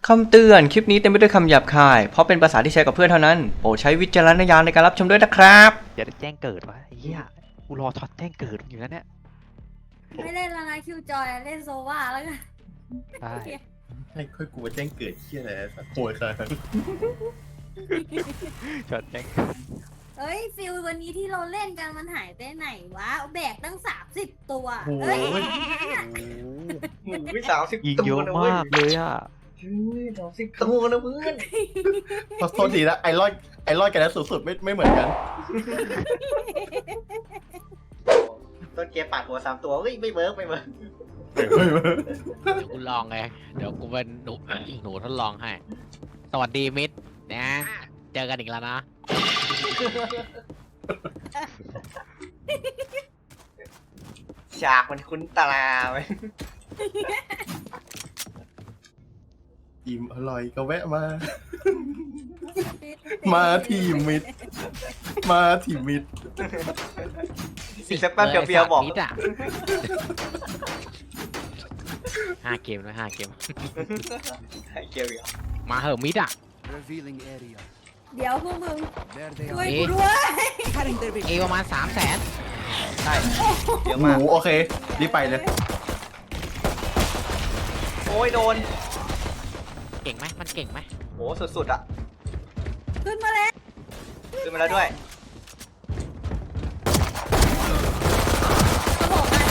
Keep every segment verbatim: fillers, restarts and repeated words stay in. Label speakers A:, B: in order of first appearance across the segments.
A: คำเตือนคลิปนี้เต็มไปด้วยคำหยาบคายเพราะเป็นภาษาที่ใช้กับเพื่อนเท่านั้นโปรดใช้วิจารณญาณในการรับชมด้วยนะครับ
B: อย่าได้แจ้งเกิดวะไอ้เหี้ยกูรอท็อตแจ้งเกิดอยู่แล้วเนี่ย
C: ไม่เล่นแล้วนะคิวจอยเล่นโซวาแล้วกัน
B: ใช่
D: ให้ค่อยกูแจ้งเกิดเชี่ยอะไรสักโหยค่ะ
B: ช็อตแจ้ง
C: เอ้ยฟิลวันนี้ที่เราเล่นกันมันหายไปไหนวะแบกตั้งสามสิบตัว
D: โอ้
C: เอ้ย
D: ย
A: หมูไปสามสิบ
B: ยิง
A: ตั
B: เยว อะ
A: นะเว้ย
B: มากเลยอ่ะ
A: สามสิบตัวนะเพื่อน
D: ขอโทษทีนะไอรอนไอรอนกันแล้วสุดๆไม่ไม่เหมือนกัน
A: ต้นเกียร์ปาดหัวสามตัวเฮ้ยไม่เวิร์กไม่เวิร์ก
E: เดี๋ยวกูลองไง เดี๋ยวกูเป็นหนู หนูทดลองให้ สวัสดีมิตรนะ เจอกันอีกแล้วนะ
A: ฉากมันคุ้นตาไหม
D: อิ่มอร่อยก็แวะมา มาทีมิดมาทีมิด
A: อีกสักแป๊บเดียวเบียร์บอก
E: มิตรอะห้าเกมนะห้าเกม
A: ให้เกียร์เบียร์
E: มาเหอะมิตรอะ
F: Revealing area.
C: เดี๋ยวพวกมึง
F: There they
C: ช่วย
F: are.
C: กูด้วย
F: Cutting their
E: เอ
F: vision.
E: ประมาณสามแสน
A: ใช่เยอะ
D: ห
A: มาก
D: มูโอเครีบไปเลย
A: โอ้ยโดน
E: เก่งไหมมันเก่งไหม
A: โอ้สุดๆอ่ะ
C: ขึ้นมาแล้ว
A: ขึ้นมาแล้วด้วย
C: เขาบอกมา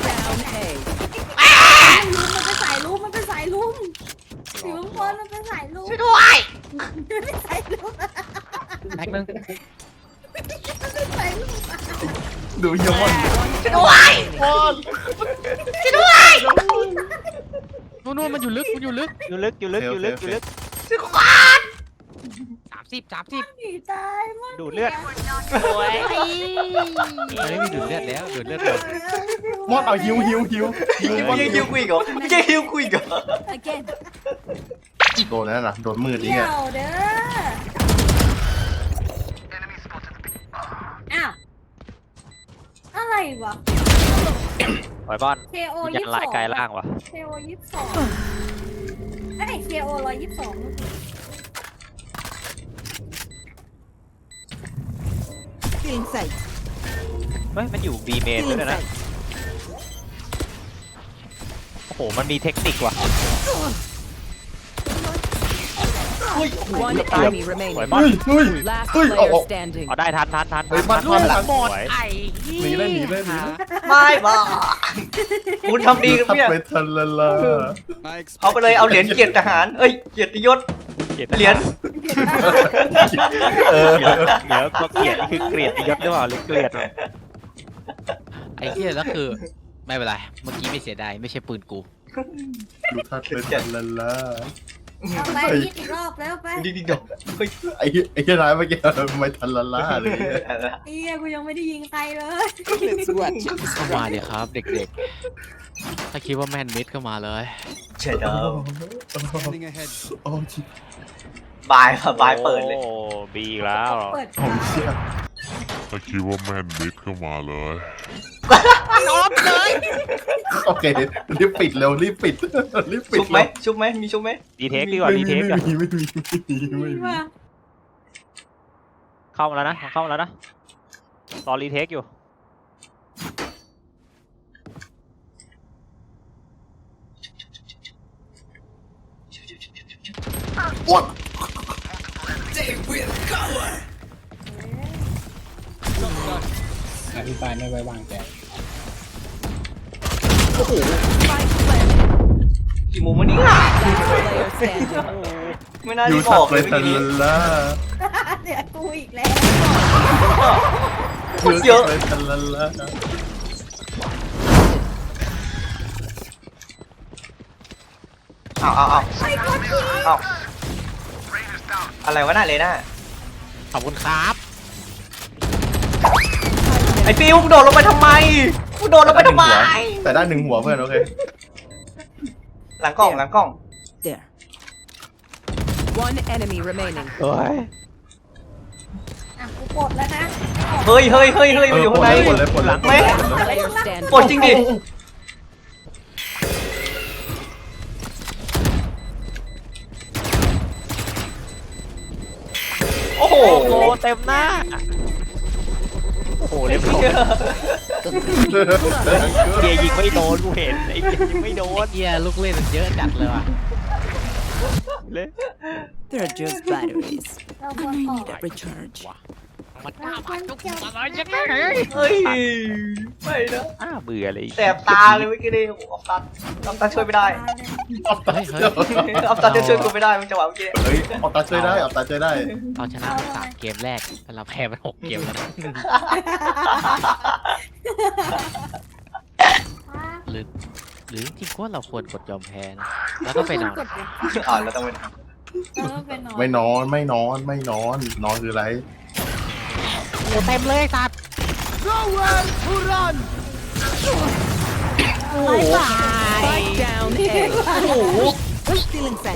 C: มันเป็นสายลุมมันเป็นสายลุมสีมังกรมันเป็นสายลุมช่วยด้วยมันเป็นสายลุม
E: แม็กนึง
C: มันเป็นสายลุม
D: ดูเยอะมาก
E: นู่นนู่นมันอยู่ลึกมันอยู่ลึก
B: อยู่ลึกอยู่ลึกอยู่ลึกอยู่ลึก
E: สามสิบสามสิบ
C: หนีตายมาก
B: ดูดเลือด
E: โอ้ยมันไม่มีดูดเลือดแล้วดูดเลือดหมด
D: มอดเอาฮิวฮิวฮิวฮิวมอด
A: ยังฮิวคุยเหรอยังฮิวคุยเหรอ
C: again
D: โดนนั่นน่ะโดนมืดนี่
C: เดี่
D: ไง
C: ยวเด้ออ้าวอะไรวะ
B: ปล่อยบอล
C: เคโอ
B: ยั
C: ยี่
B: น
C: สิบ
B: ลาย
C: สอง
B: กายล่างวะ
C: เคโอยี่สิบสองไอ้เคโอร้อยยี่สิบสอง
F: Feeling sight.
B: เฮ้ยมันอยู่บีเมนด้วยนะ โอ้โหมันมีเทคนิคว่ะ
F: One enemy
B: สวย
F: remaining.
B: บอล
D: เฮ้ยเฮ้ย
F: Last
D: เฮ้ยเอา
F: player
D: เอา
F: standing.
B: เอาได้ทันทันทัน
D: เฮ้ยมัน
B: ทั
D: มันมัน
B: สวย
E: ไอ้
D: หนีเลยหนีเลยหนีเลย
A: ไม่บอกคุณทำดีกับ
D: ทับ
A: เนี่ย
D: ไปทันละละ
A: เอาไปเลยเอาเหรียญเกียรติทหารเอ้ยเกียรติยศ
B: เกลียด
A: เหรียญ
D: เออ
B: เดี๋ยวก็เกลียดนี่คือเกลียดยศหรือเปล่าหรือเกลียดวะ
E: ไอ้เหี้ยแล้วคือ ไม่เป็นไร เมื่อกี้ไม่เสียดายไม่ใช่ปืนกู
D: ดูทัดไปทันละละ
C: เอาไปยิดอีกรอบแล้วไป
A: ดีดีดอกเฮ้ย
D: ไอ้เหี้ยไอ้เหี้ยร้ายเมื่อกี้ไม่ทันละละเลย
C: เอียกูยังไม่ได้ยิงใครเลย
F: Let's watch it.
E: เข้ามาเดี๋ยวครับ เด็กๆ ถ้าคิดว่าแม่นมิดเข้ามาเลย
A: เฉยเดิม
F: Scanning ahead.
D: โอ้ชิ
A: บายค่ะบายเปิดเลย
B: โอ้บีอีกแล้ว
C: เปิด
D: โอ้เชี่ย
G: ถ้าคิดว่าแม่นมิดเข้ามาเลย
D: โอเครีบปิดเร็วรีบปิดรีบปิด
A: ชุบไหมชุบไหมมีชุบไหม
B: ดีเทคดีกว่า
D: ไม่
B: ดี
D: มี
B: เทคก่อน
D: ไม่มีไม่มีไม่มีไม่มี
C: มา
B: เข้ามาแล้วนะเข้ามาแล้วนะรอรีเทคอยู่
D: อ้วน
H: อธิบายไม่ไว้วางใจ
A: กี่โมงวันนี้
F: Player standing.
A: ไม่น่า
D: อยู่
A: ที่บ
D: ทั
A: อบ ก
D: ไป
A: เลยเมื่อ
D: ทัน
A: กี้
D: ละ
C: เดี๋ยวกูอีกแล้ว
A: คนเยอะ
D: ไปทันละละ
A: เอาเอาเอาเอาอะไรวะน่ะเลน่า
E: ขอบคุณครับ
A: ไอ้ฟิวมึงโดดลงไปทำไมมึงโดดลงไปทำไม
D: แต่ได้หนึ่งหัวเพื่อนโอเค
A: หลังกล้องหลังกล้อง
F: There. One enemy remaining.
B: เฮ้ย
C: อ่ะกูปลดแล้วนะ
A: เฮ้ยเฮ้ยเฮ้ยเฮ้ยมันอยู่ข้างใน
D: ปลดเลยปลดเลย
A: ไม่
F: Player standing.
A: ปลดจริงดิโอ้โห
B: โอ้โหเต็มหน้าโอ้โหเรียบร้อยเบียร์ยิงไม่โดนกูเห็นไอ้เบียร์ยิงไม่โดน
E: เฮียลูกเล่นมันเยอะจัดเลยว่ะ
B: เลย
F: They're just batteries.
C: เราควรออก
F: Recharge.
E: มันกล้ามาจุกอะไรยังไง
A: เฮ้ยไม่นะ
B: อ้าเบื่อเลย
A: แสบตาเลยเมื่อกี้นี่โอ้โหออฟตันออฟตันช่วยไม่ได้
D: เอาตา
E: เฮ้ยเฮ้ย
A: ออฟตันจะช่วยกูไม่ได้มึงจังหวะเมื่อกี้
D: เฮ้ยเอาตาช่วยได้เอาตาช่วยได้
E: เราชนะไปสามเกมแรกแต่เราแพ้ไปหกเกมแล้วนะหรือหรือจริงๆว่าเราควรกดยอมแพ้นะแล้วก็ไปนอน
C: กดเลย
A: อ่านแล้วต้องเป็น
C: แล้วก็ไปนอน
D: ไม่นอนไม่นอนไม่นอนนอนคืออะไร
E: โอ้เต็มเลยสัตว์
F: Spike down A. Stealing set.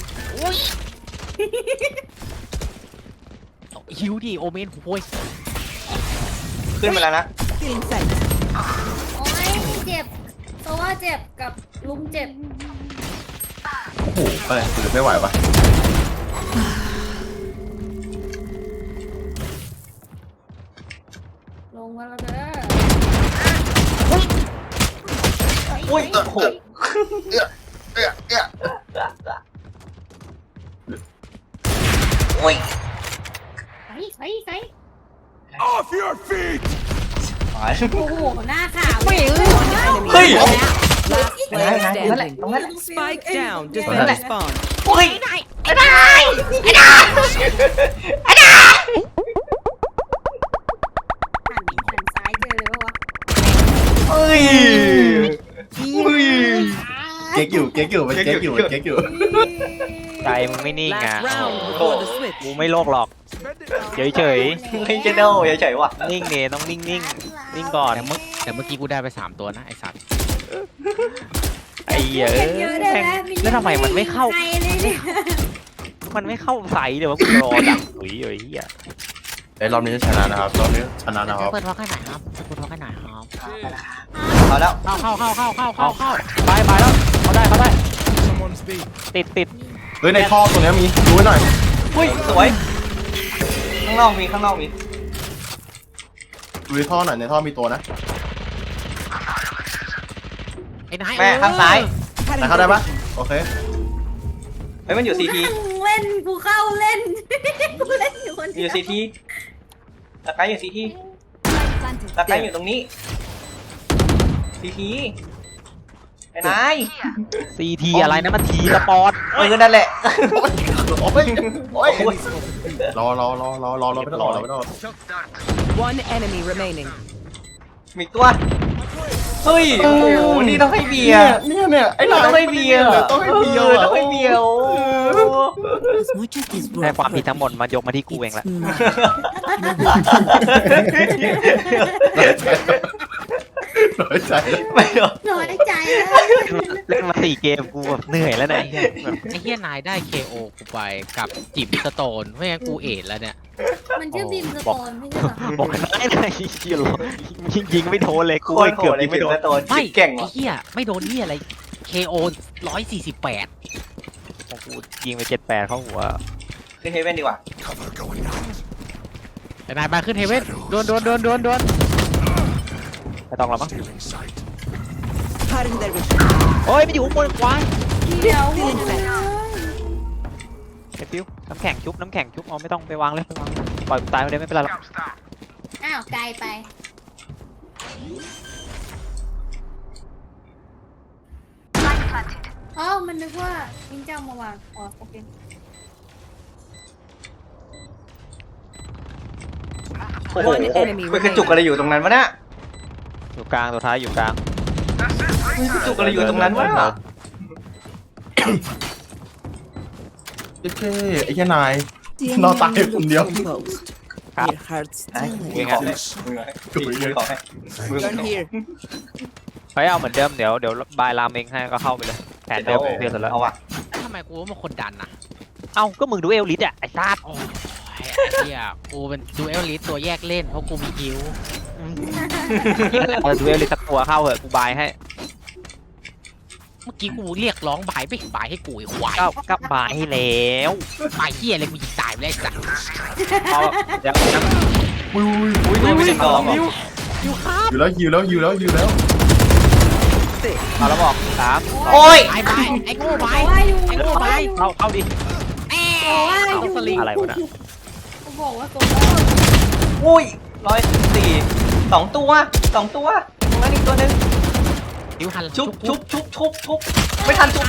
E: หิวดิโอเมนโว้ย
A: ขึ้นไปแล้วนะ
F: Stealing set.
C: โอ้ยเจ็บโซว่าเจ็บกับลุงเจ็บ
D: โอ้โหอะไรถือไม่ไหวปะ
C: ลงมาแล้วเด้อ
A: อุ้ยโอ้โห
D: เอ๊ะเอ๊ะเอ๊ะ
A: อุ้ย
C: ใส่ใส่ใส่
G: Off your feet!
A: หาย
C: โอ้โหหน้าขาว
F: One enemy.
A: เฮ้ย
F: Last
A: ไหน
F: player
A: ไหนตรงนั้นแหละ
F: standing.
A: ตรงนั้นแหละ
F: Spike down.
A: ตรงนั้นแหละ
F: Defend spawn.
A: อุ้ย
C: หันหันซ้ายเจอเลยปะวะ
A: เฮ้ยอุ้ย
D: เก๊กอยู่เก๊กอยู่มันเก๊กอยู่มันเก๊กอยู่
B: ใจมึงไม่นิ่งอ่ะ
F: Last round before the switch.
B: กูไม่โลกหรอกเฉยเฉย
A: ไม่เจโดเฉยๆว่ะ
B: ๆนิ่งเนต้องนิ่งนิ่งนิ่งก่อน
E: แต่เมื่อแต่เมื่อกี้กูได้ไปสามตัวนะไอสัตว์
B: ไอ้เหี้ย
C: เห็นเยอะได้ไหม
B: แล้วทำไมมันไม่เข้า
C: ใครเลยเนี่ย
B: มันไม่เข้าใส่เลยวะกูรอดักหุยเลยเหี้ย
D: ไอ้รอบนี้ชนะนะครับรอบนี้ชนะนะครับ
E: เปิดพอแค่ไหนครับเปิดพอแค่ไหนครับ
A: เอาแล้ว
E: เข้าเข้าเข้าเข้าเข้าเข้าเข้า
B: ไปไปแล้วเขาได้เขาได้ติดติด
D: เฮ้ยในท่อตรงนี้มีดูไว้หน่อย
A: อุ้ยสวยข้างนอกมีข้างนอกมี
D: ดูในท่อหน่อยในท่อมีตัวนะ
E: ไอ้นาย
A: แม่ข้างซ้าย
D: ไหนเข้าได้ปะโอเค
A: เฮ้ยมันอยู่ซีที
C: นั่งเล่นกูเข้าเล่น กูเล่นอยู่คน
A: อ
C: เดีย
A: ยู่
C: ว
A: ซีทีตะไคร้อยู่ซีทีตะไคร้อยู่ตรงนี้ซีทีไอ้นาย
B: ซีทีอะไรนะมันทีสปอร์ต
A: เออนั่นแหละ
D: โอ้ยโอ้ยโอ้ยรอรอรอรอรอรอไม่ต้องรอรอไม่ต้องรอ
F: One enemy remaining.
A: มีตัว เฮ้ย โอ้โห นี่ต้องให้เบียร์
D: เนี่ยเนี่ยไอ้ห
A: ต้องให้เบียร์
D: ต้องให้เบียร์
A: ออต้องให้เบียร์โอ้
F: As much as this
B: แต่ความผิดทั้งหมดมายกมาที่กูเองแหละ
D: น้อยใจ
A: ไม่หรอก
C: น้อยใจแล้ว
B: เล่นมาสี่เกมกูแบบเหนื่อยแล้วนะไอ้เหี้ยแบบ
E: ไอ้เฮียนายได้ เค โอ กูไปกับจิบสโตนไม่งั้นกูเอ็ดแล้วเนี่ย
C: มันชื่อบิมสโตนไม่ใช่เหรอ
B: บอกกันได้ไงเหี้ยหรอยิงยิงไม่โดนเลยกู
A: โคตรโห
B: เกือบ
A: ดเล
B: ยิ
A: ย
B: ง
A: ไม่
B: ไม่
A: โด
B: โด
A: น
B: น
A: โดน
E: ไม่
A: เก่ง
E: ไอ้
A: ว่ะ
E: เฮียไม่โดนเฮียอะไร เค โอ ร้อยสี่สิบแปด
B: ของกูยิงไปเจ็ดแปดเข้าหัว
A: ขึ้นเฮเว่นดีกว่า
E: ไอ้นายมาขึ้นเฮเว่นโดนโดนโดนโดนโดน
B: ไม่ต้องแล้วมั้ง
F: Cutting their vision.
B: โอ้ยมันอยู่ข้างบนขวา
C: เดี๋ยว
F: Stealing set.
B: ไอ้ฟิวน้ำแข็งชุบน้ำแข็งชุบเอาไม่ต้องไปวางเลยไปวางปล่อยกูตายไปเลยไม่เป็นไรหรอก
C: อ้าวไกลไปอ๋อมันนึกว่ามิงเจ้ามาวางอ๋อโอเค
A: โอ้โห
F: One enemy
A: ไปกระจุกอะไรอยู่ตรงนั้นวะเนี่ย
B: อยู่กลางตัวท้ายอยู่กลาง
A: กระจุกอะไรอยู่ตรงนั้นวะ
D: เจ๊ไอ้แค่นาย
F: The
D: No,
F: enemy
D: tayo,
F: looks
D: kundiyo.
F: composed.
B: Ah.
F: Their hearts
A: ไอ้
F: still
A: มือ
F: ache.
A: ของให้มือของให้มือของ
F: Gun
A: ให้
F: here.
B: ไปเอาเหมือนเดิมเดี๋ยวเดี๋ยวบายรามเองให้ก็เข้าไปเลยแผนเดิมเดียวเสร็จแล้ว
A: เอาว่ะ
E: ทำไมกูว่ามันคนดันอ่ะ
B: เอ้าก็มึงดูเอลลิสอ่ะไอ้ซาด
E: โอ้ยไอ้เฮียกูเป็นดูเอลลิสตัวแยกเล่นเพราะกูมีฮิว
B: เออดูเอลลิสสักตัวเข้าเหอะกูบายให้
E: เมื่อกี้กูเรียกร้องบายไม่บายให้กูไอ้ควาย
B: ก็ก็บายให้แล้ว
E: บายเฮียอะไรกูยิงตายไปเลยสัก
B: เอาเดี๋ยวนะ
D: อุ้ย
A: อุ้ยโดนไปหนึ่งดอก
B: นิ้ว
D: อยู่แล้วอยู่แล้วอยู่แล้วอยู่แล้ว
B: เอาแล้วบอกสามสอง
A: โอ้ย
E: ไปไปไอ้โง่ไป
C: บอกว่าอยู่
E: ไอ้โง่ไป
B: เข้าเข้าดิ
E: แอ้
C: บอกว่าอ
E: เอา
C: ยู่
E: สลิง
B: อะไรวะน่ะ
C: เขาบอกว่าตัวว่า
A: อุ้ยร้อยสี่สองตัวสองตัวตรงนั้นอีกตัวหนึ่ง
E: นิ้วหัน
A: ชุบชุบชุบชุบชุบไม่ทันชุบเลย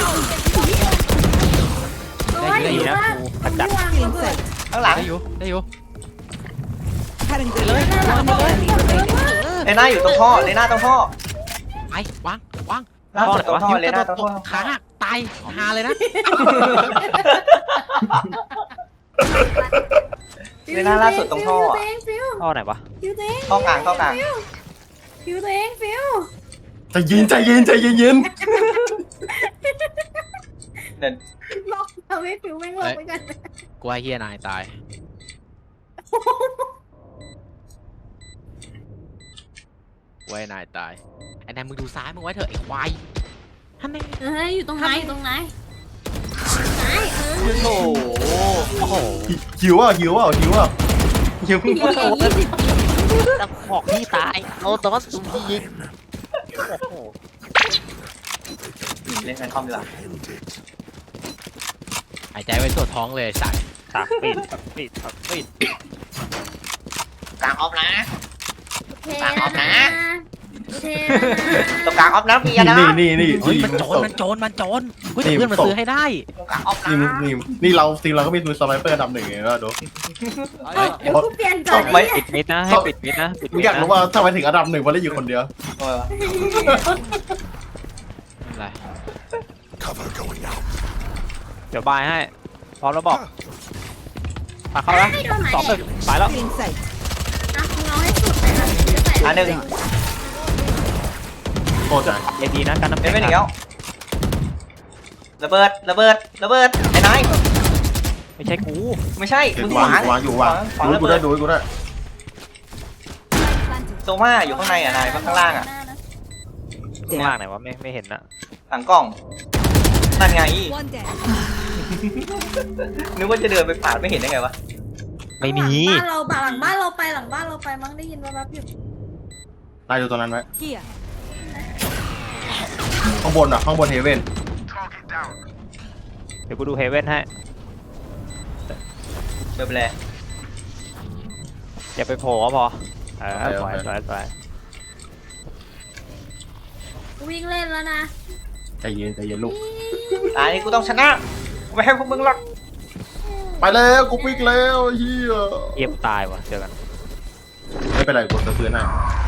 C: ตัวว่าอยู่ว่าคนที่วางระเบิด
A: ข้างหลัง
E: ได้อยู่ได้อยู่
F: Cutting their
C: นั่น
F: vision.
C: แหละ
F: One
C: ระเบิด
F: enemy
C: ระเบิด
F: remaining.
A: เลน่าอยู่ตรงท่อเลน่าตรงท่อ
E: ไปวางวาง
A: ล่าสุดตรงท่อเลน่าตรงท่อ
E: ขาหักตายหาเลยนะ
A: เลน่าล่าสุดตรงท่ออะ
C: ฟิว
B: ท่อไหนวะ
C: ฟิวตัวเอง
A: ท่อกลางท่อกลาง
C: ฟิวตัวเองฟิว
D: ใจเย็นใจเย็นใจเย็นเย็น
A: เดิน
C: ล็อกทำให้ฟิวแม่งลงไปกัน
E: กูว่าเฮียนายตายกูว่านายตายไอ้นายมึงดูซ้ายมึงไว้เถอะไอ้ควายท่านนี่
C: เฮ้ยอยู่ตรงไหนอยู่ตรงไหนไหนเออ
A: โอ้โห
B: โอ้โห
D: หิวอ่ะหิวอ่ะหิวอ่ะ
A: ยิง
B: ตะขอกพี่ตายโอ้ตอนสุ่มพี่ยิงโอ้โห
A: เล่นแฟนคอมดีกว่า
E: หายใจไว้ตัวท้องเลยสัตว์
B: ฉากปิดฉากปิดฉากปิด
A: กลางออฟนะ
C: เทแล้วนะเท
A: ตรงกลางออฟนะพี่นะ
D: นี่นี่นี่
E: เฮ้ย
D: นี่
E: มันโจรมันโจรมันโจรเฮ้ย
D: นี่
E: เพื่อนมัน
D: ตก
E: ซื้อให้ได้
A: ตรงกลางออฟนะ
D: นี่นี่นี่เราทีมเราก็มีมือสไนเปอร์อันดับหนึ่งไงแล้วดู
C: เอ้ยเดี๋ยวกูเปลี่ยนก่อน
A: ไม่
B: ปิดมิดนะให้ปิดมิดนะปิด
D: มึ
B: มิ
D: ง
B: ด
D: อยากรู้
B: นะ
D: ว่าทำไมถึงอันดับหนึ่งมันได้อยู่คนเดียว
A: ทำไมวะ
E: อะไร
G: Cover going out.
B: เดี๋ยวบายให้พร้อมแล้วบอกมาเข้าแล้ว
C: ให้โดนไหน
B: สองหนึ่งไปแล้ว
F: Feeling sight.
C: อ่ะมึงเอาให้สุดเลยนะจะใส่
A: อันหนึ่ง
D: โคตรใจ
B: เอดีนะการน้ำ
A: เป็
B: แข็
A: น
B: ง
A: ไม่หนีแล้วระเบิดระเบิดระเบิดไอ้นาย
B: ไม่ใช่กู
A: ไม่ใช่
D: เดี๋ย
A: มึ
D: ว
A: ง
D: วาง
A: ขวาง
D: อยู่วางอยู่วาง
A: ขวาง
D: ดู
A: ระ
D: กู
A: เบิ
D: ได้
A: ด
D: ดูกูได้
A: โซม่าอยู่ข้างในอ่ะนายข้างล่างอ่ะ
B: ข้างล่างไหนวะไม่ไม่เห็นนะ
A: หลังกล่องนั่นไง
F: One dead.
A: นึกว่าจะเดินไปผ่านไม่เห็นได้ไงวะ
B: ไม่มี
C: บ้านเราหลังบ้านเราไปหลังบ้านเราไปมั้งได้ยินว่าแบบอยู่
D: นายดูตรงนั้นไหม
F: Here.
D: ข้างบนอ่ะข้างบนเฮเว่น
B: เดี๋ยวกูดูเฮเว่นให้
A: เดินไปเลย
B: อย่าไปโผล่ก็พอเออสวยสวยสวย
C: วิ่งเล่นแล้วนะ
D: ใจเย็นใจเย็นลูก
A: ตายนี่กูต้องชนะกูไม่ให้พวกมึงหรอก
D: ไปแล้วกูปิกแล้วเฮีย
B: เยี่ยมตายว่ะเจอกัน
D: ไม่เป็นไรกูจะซื้อหน้า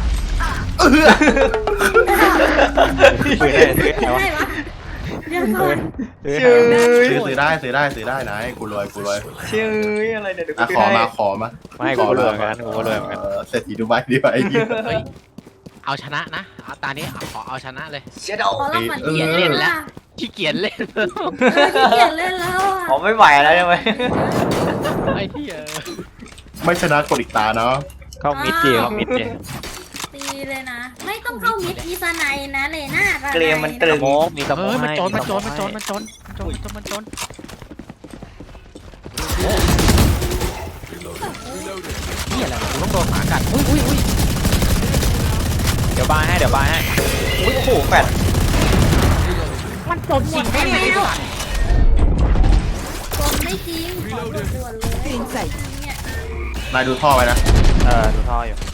B: คุยได้คุยได้วะ
C: ได้ปะเดี๋ยวก่อน
B: ซื้อ
A: ชื่
B: ให้
A: อ
D: ซื้อซื้อได้ซื้อได้ซื้อได้นายกูรวยกูรวย
A: ชื่ออะไรเดี๋ยวกู
D: อ่ะ
A: ไป
D: ขอ
A: ให้
D: มาขอมา
B: ไม่กูก็รวยเหมือนกันกูก็รวยเหมือนกัน
D: เออเศรษฐีดูไบดีไปไอ้เหี้ย
E: เฮ้ยเอาชนะนะเอาตานี้เอาขอเอาชนะเลย
A: เชียโด
C: ขอเราฝัน
D: เออ
C: เขียนเล่นแล้ว
E: ขี้เกียจเล่น
C: เออขี้เกียจเล่นแล้วอ่ะ
A: ผมไม่ไหวแล้วใช่ไหม
E: ไอ้เหี้ย
D: ไม่ชนะกดอีกตาเนาะ
B: เข้ามิดดีเข้ามิดดี
C: ตีเลยนะ ไม่ต้องเข้ามิดอีสไนนะเลยหน้า
A: เกลียมมันตรึ
B: ส
A: ง
B: โมกมีสโม
E: เฮ้
B: ก
E: ยมัน
B: ให้
E: โจรมันโจร
B: ส
E: มัน
B: โ
E: โจรมันโจรมันโจรมันโจรมันโจร นี่อะไรวะกูต้องโดนหมากัดอุ้ยอุ้ยอุ้ย
B: เดี๋ยวบายให้เดี๋ยวบายให้
A: อุ้ยโอ้โหแฟด
E: มันโจรจริงไหมเนี่ยไอ้สัตว์
C: ตนไม่จริงขอด่วนๆเลย
F: Feeling sight.
C: เนี่ย
D: นายดูท่อไว้นะ
B: เออดูท่ออยู่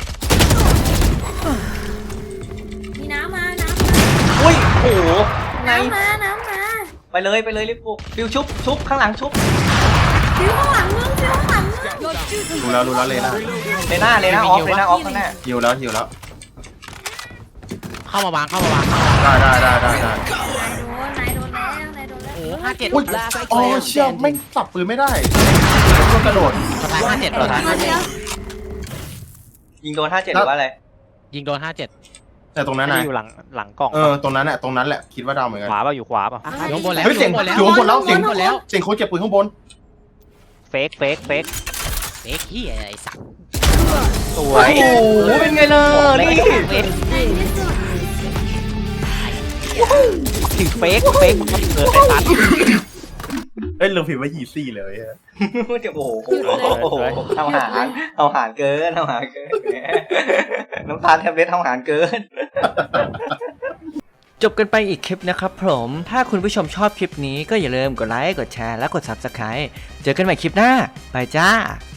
C: มีน้ำมา น้ำมา
A: อุ้ยโอ้โหไง
C: น้ำมา น้ำมา
A: ไปเลยไปเลยรีบปลุกฟิวชุบชุบข้างหลังชุบ
C: ฟิวข้างหลังมึงฟิวข้างหลังมึง
D: ดูแล้วดูแล้วเลยนะ
A: เลน่าเลน่าออฟเลน่าออฟข้างหน้า
D: หิวแล้วหิวแล้ว
E: เข้ามาวางเข้ามาวางเข้ามาวาง
D: ได้ได้ได้ได้ได้
C: นายโดน นายโดนแล้ว นายโดนแล้ว
E: โอ้โหห้าเจ็ด
D: อุ้ย
F: Last
D: อ๋อ
F: player
D: เชี่ยไม่ง
F: standing.
D: สับปืนไม่ได้ต้องกระโดด
E: สไตล์ห้าเจ็ดตัวท้าย
C: เดียว
A: ยิงโดนห้าเจ็ดหรือว่าอะไร
E: ยิงโดนห้าเจ็ด
D: แต่ตรงนั้น
B: ไม่
D: นะ
B: ได้อยู่หลังหลังกล่อง
D: เออตรงนั้นแหละตรงนั้นแหละคิดว่าดาวเหมือนกัน
B: ขวาเปล่าอยู่ขวาเปล่า
E: อยู่ข้างบนแล้ว
D: เฮ้ยเสียง
E: อยู่ข้างบนแล้ว
D: อยู่ข้างบนแล้วเสียง
E: อยู่ข้างบนแล้ว
D: เสียงโค้ชเก็บปืนข้างบน
B: เฟกเฟกเฟก
E: เอ็กเหี้ยไอ้สัตว์
B: สว
A: โอ้
B: ย
A: โหเป็นไงล่ะนี่
C: ในที่สุด
B: ถึงเฟกเฟกมันก็เกิดไอ้สัตว์
D: เอ้ยลืมพิมพ์ว่ายีซี่เลยฮะ
A: เดี๋ยวโอ้โหโอ้โหทำหารทำหารเกินทำหารเกินน้ำตาลแทบเล็ดทำหารเกิน จบกันไปอีกคลิปนะครับผม ถ้าคุณผู้ชมชอบคลิปนี้ก็อย่าลืมกดไลค์ กดแชร์ และกด ซับสไครบ์ เจอกันใหม่คลิปหน้า ไปจ้า